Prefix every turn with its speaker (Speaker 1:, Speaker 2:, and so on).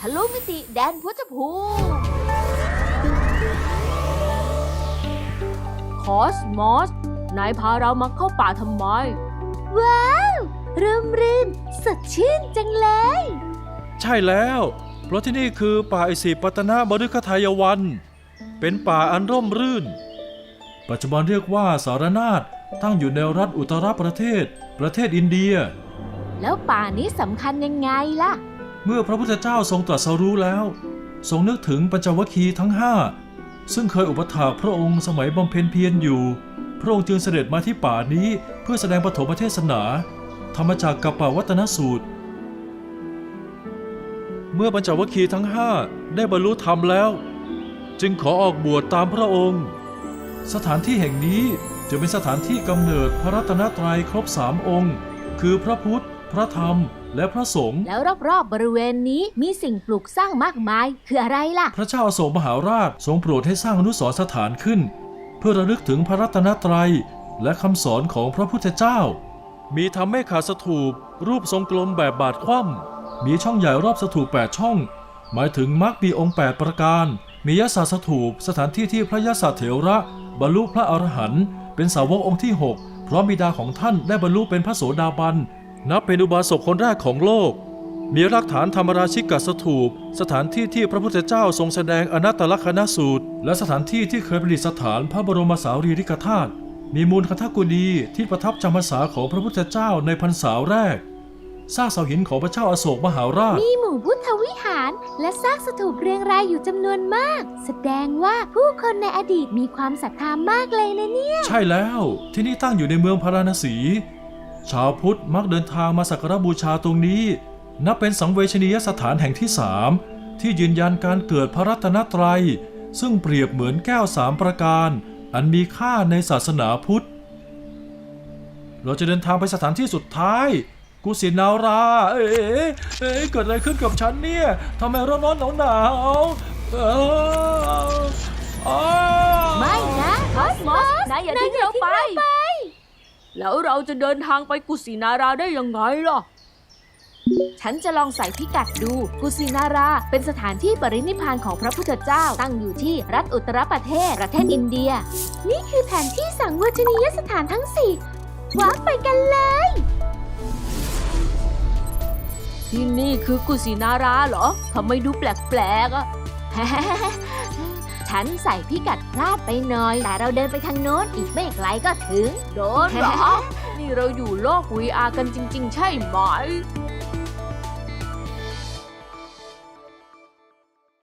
Speaker 1: ทะลุมิติแดนพุทธภูมิคอสมอสนายพาเรามาเข้าป่าทำไมว้าวร่มรื่นสดชื่นจังเลย
Speaker 2: ใช่แล้วเพราะที่นี่คือป่าอิสิปตนมฤคทายวันเป็นป่าอันร่มรื่นปัจจุบันเรียกว่าสารนาถตั้งอยู่ในรัฐอุตรประเทศอินเดีย
Speaker 1: แล้วป่านี้สำคัญยังไงล่ะ
Speaker 2: เมื่อพระพุทธเจ้าทรงตรัสรู้แล้วทรงนึกถึงปัญจวัคคีย์ทั้งห้าซึ่งเคยอุปถากพระองค์สมัยบำเพ็ญเพียรอยู่พระองค์จึงเสด็จมาที่ป่านี้เพื่อแสดงปฐมเทศนาธรรมจักรกัปปวัตนสูตรเมื่อปัญจวัคคีย์ทั้งห้าได้บรรลุธรรมแล้วจึงขอออกบวชตามพระองค์สถานที่แห่งนี้จะเป็นสถานที่กำเนิดพระรัตนตรัยครบ3องค์คือพระพุทธพระธรรมและพระสงฆ์
Speaker 1: แล้วรอบๆบริเวณนี้มีสิ่งปลูกสร้างมากมายคืออะไรล่ะ
Speaker 2: พระเจ้าอโศกมหาราชทรงโปรดให้สร้างอนุสรณ์สถานขึ้นเพื่อระลึกถึงพระรัตนตรัยและคำสอนของพระพุทธเจ้ามีทำให้ขาสถูปรูปทรงกลมแบบบาทคว่ำมีช่องใหญ่รอบสถูป8ช่องหมายถึงมรรคมีองค์8ประการมียศสถูปสถานที่ที่พระยศเถระบรรลุพระอรหันต์เป็นสาวกองค์ที่6เพราะบิดาของท่านได้บรรลุเป็นพระโสดาบันนับเป็นอุบาสกคนแรกของโลกมีหลักฐานธรรมราชิกสถูปสถานที่ที่พระพุทธเจ้าทรงแสดงอนัตตลักษณสูตรและสถานที่ที่เคยประดิษฐานพระบรมสารีริกธาตุมีมูลคทกุฎีที่ประทับจำพรรษาของพระพุทธเจ้าในพรรษาแรกซากเสาหินของพระเจ้าอโศกมหาราช
Speaker 1: มีหมู่พุทธวิหารและซากสถูปเรียงรายอยู่จำนวนมากแสดงว่าผู้คนในอดีตมีความศรัทธามากเลยนะเนี่ย
Speaker 2: ใช่แล้วที่นี่ตั้งอยู่ในเมืองพาราณสีชาวพุทธมักเดินทางมาสักการบูชาตรงนี้นับเป็นสังเวชนียสถานแห่งที่3ที่ยืนยันการเกิดพระรัตนตรัยซึ่งเปรียบเหมือนแก้ว3ประการอันมีค่าในศาสนาพุทธเราจะเดินทางไปสถานที่สุดท้ายกุสินาราเกิดอะไรขึ้นกับฉันเนี่ยทำไมร้อนหนาว
Speaker 1: ไม่นะคอสมอสนายอย่าทิ้งเราไปแล้วเราจะเดินทางไปกุสินาราได้ยังไงล่ะฉันจะลองใส่พิกัดดูกุสินาราเป็นสถานที่ปรินิพพานของพระพุทธเจ้าตั้งอยู่ที่รัฐอุตรประเทศอินเดียนี่คือแผนที่สังเวชนียสถานทั้ง4ว้าไปกันเลยที่นี่คือกุสินาราเหรอทำไมดูแปลกๆอ่ะ ฉันใส่พิกัดพลาดไปหน่อยแต่เราเดินไปทางโน้นอีกไม่ไกลก็ถึงโดนเหรอ นี่เราอยู่โลก VR กันจริงๆใช่ไหม